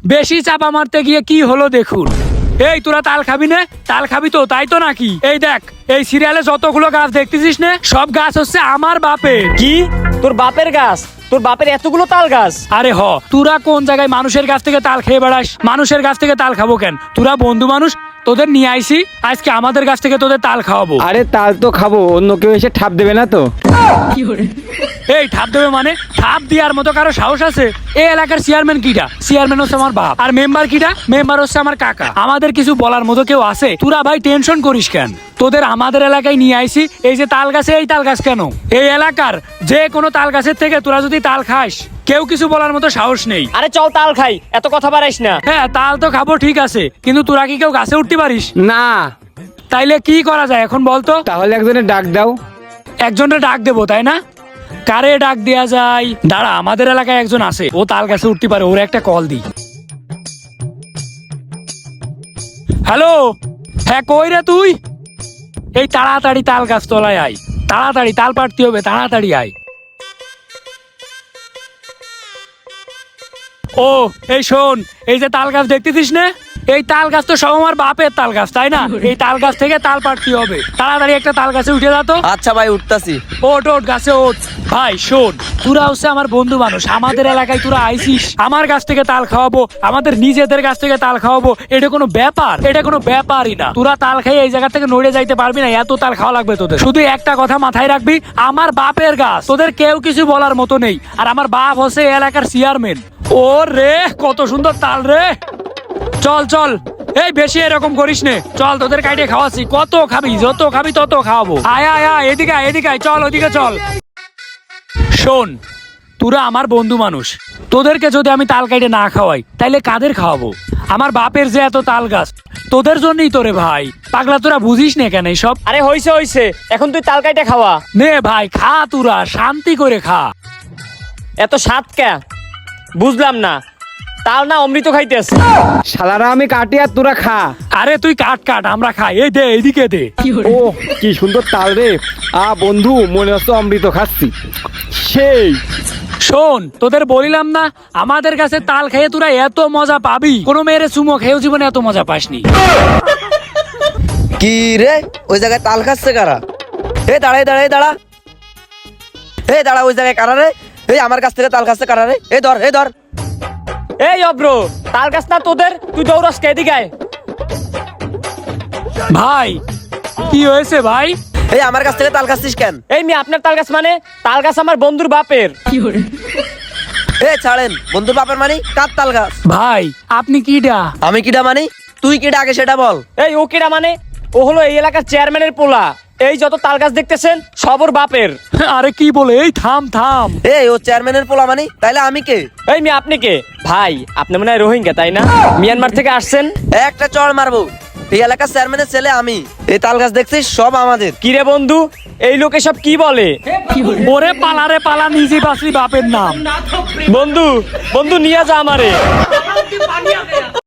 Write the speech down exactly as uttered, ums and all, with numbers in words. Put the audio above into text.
বেশি চাপা মারতে গিয়ে কি হলো দেখুন। এই তোরা তাল খাবি না? তাল খাবি তো, তাই তো নাকি? এই দেখ, এই সিরিয়ালে যতগুলো গাছ দেখতেছিস না, সব গাছ হচ্ছে আমার বাপের। কি তোর বাপের গাছ? তোর বাপের এতগুলো তাল গাছ? আরে হ, তোরা কোন জায়গায় মানুষের গাছ থেকে তাল খেয়ে বেড়াস? মানুষের গাছ থেকে তাল খাবো কেন? তোরা বন্ধু মানুষ, তোদের নিয়ে আইসি, আজকে আমাদের গাছ থেকে তোদের তাল খাওয়াবো। আরে তাল তো খাবো, অন্য কেউ এসে ঠাপ দেবে না তো? এই ঠাপ দেবে মানে? ঠাপ দেওয়ার মতো কারো সাহস আছে? এই এলাকার চেয়ারম্যান কিটা? চেয়ারম্যান হচ্ছে আমার বাপ। আর মেম্বার কিটা? মেম্বার হচ্ছে আমার কাকা। আমাদের কিছু বলার মতো কেউ আছে? তোরা ভাই টেনশন করিস কেন? তোদের আমাদের এলাকায় নিয়ে আইসি, এই যে তাল গাছে, এই তাল গাছ কেন? এই এলাকার যে কোনো তাল গাছের থেকে তোরা যদি তাল খাস, কেউ কিছু বলার মতো সাহস নেই। আরে চল তাল খাই, এত কথা বাড়াইস না। হ্যাঁ, তাল তো খাবো ঠিক আছে, কিন্তু তোরা কি কেউ গাছে উঠতে পারিস? না। তাইলে কি করা যায় এখন বলতো? তাহলে একজনের ডাক দাও। একজনটা ডাক দেবো তাই না? কারে ডাক দেয়া যায়? দাঁড়া, আমাদের এলাকায় একজন আছে, ও তাল গাছে উঠতে পারে, ওর একটা কল দিই। হ্যালো, হ্যাঁ কই রে তুই? এই তাড়াতাড়ি তাল গাছ তলায় আয়, তাড়াতাড়ি তাল পাড়তে হবে, তাড়াতাড়ি আয়। ও এই শোন, এই যে তাল গাছ দেখতেছিস না, এই তাল গাছ তো সব আমার বাপের তাল গাছ, তাই না? এই তাল গাছ থেকে তাল পাড়তে হবে, তাড়াতাড়ি একটা তাল গাছে উঠে যা তো। আচ্ছা ভাই, উঠতাছি। ওট ওট গাছে ওঠ। ভাই শোন, তোরা হচ্ছে আমার বন্ধু মানুষ, আমাদের এলাকায় তোরা আইসিস, আমার গাছ থেকে তাল খাওয়াবো, আমাদের নিজেদের গাছ থেকে তাল খাওয়াবো, এটা কোনো ব্যাপার? এটা কোনো ব্যাপারই না। তোরা তাল খাই এই জায়গা থেকে নড়ে যাইতে পারবি না, এত তাল খাওয়া লাগবে তোদের। শুধু একটা কথা মাথায় রাখবি, আমার বাপের গাছ, তোদের কেউ কিছু বলার মতো নেই। আর আমার বাপ হচ্ছে এই এলাকার চেয়ারম্যান। ও রে, কত সুন্দর তাল রে! চল চল, এই বেশি এরকম করিস নে, চল তোদের কাইটে খাওয়াচ্ছি, কত খাবি? যত খাবি তত খাওয়াবো। আয় আয় আয়, এদিকে আয়, এদিকে আয়, চল ওদিকে চল। শোন, তোরা আমার বন্ধু মানুষ, তোদেরকে যদি আমি তাল কাইটে না খাওয়াই, তাইলে কাদের খাওয়াবো? আমার বাপের যে এত তাল গাছ, তোদের জন্যই তোরে ভাই। পাগলা, তোরা বুঝিস না কেন সব? আরে হইছে হইছে, এখন তুই তাল কাইটা খাওয়া। নে ভাই খা, তোরা শান্তি করে খা। এত স্বাদ কে? বুঝলাম না, তাল না অমৃত খাইতেছ? শালারা আমি কাটি আর তোরা খা। আরে তুই কাট কাট, আমরা খাই। এই দে, এইদিকে দে। ও কি সুন্দর তাল রে! আ বন্ধু, মনে হচ্ছে অমৃত খাচ্ছি। সেই শোন, তোদের বলিলাম না, আমাদের কাছে তাল খেয়ে তোরা এত মজা পাবি, কোনো মেয়ের চুমো খেয়েও জীবনে এত মজা পাসনি। কি রে, ওই জায়গায় তাল খাচ্ছে কারা? এই দাঁড়াই দাঁড়াই দাঁড়া, এই দাঁড়া, ওই জায়গায় কারা রে? এই আমার কাছ থেকে তাল খাচ্ছে কারা রে? এই ধর, এই ধর। এই অব্র, তাল গাছ না তোদের, তুই দৌড়াস কে? এদিকে আয়। ভাই কি হয়েছে ভাই? এই আমার কাছ থেকে তাল খাচ্ছিস কেন? এই মেয়ে, আপনার তাল গাছ মানে? তাল গাছ আমার বন্ধুর বাপের। এ ছাড়েন, বন্ধুর বাপের মানি? কার তাল গাছ? ভাই আপনি কিডা? আমি কিডা মানি? তুই কিডা আগে সেটা বল। এই ও কিরা মানে? ও হলো এই এলাকার চেয়ারম্যানের পোলা। এই যত তাল গাছ দেখতেছেন সব ওর বাপের। আরে কি বলে? এই থাম থাম। এই ও চেয়ারম্যানের পোলা মানি, তাইলে আমি কে? এই মেয়ে, আপনি কে? ভাই আপনি মনে হয় রোহিঙ্গা, তাই না? মিয়ানমার থেকে আসছেন? একটা চড় মারবো। এই এলাকার চেয়ারম্যানের ছেলে আমি। এই তাল গাছ দেখছিস সব আমাদের। কিরে বন্ধু, এই লোকে সব কি বলে? ওরে পালা রে পালা, নিজে বাসরি বাপের নাম। বন্ধু বন্ধু নিয়ে যা আমারে।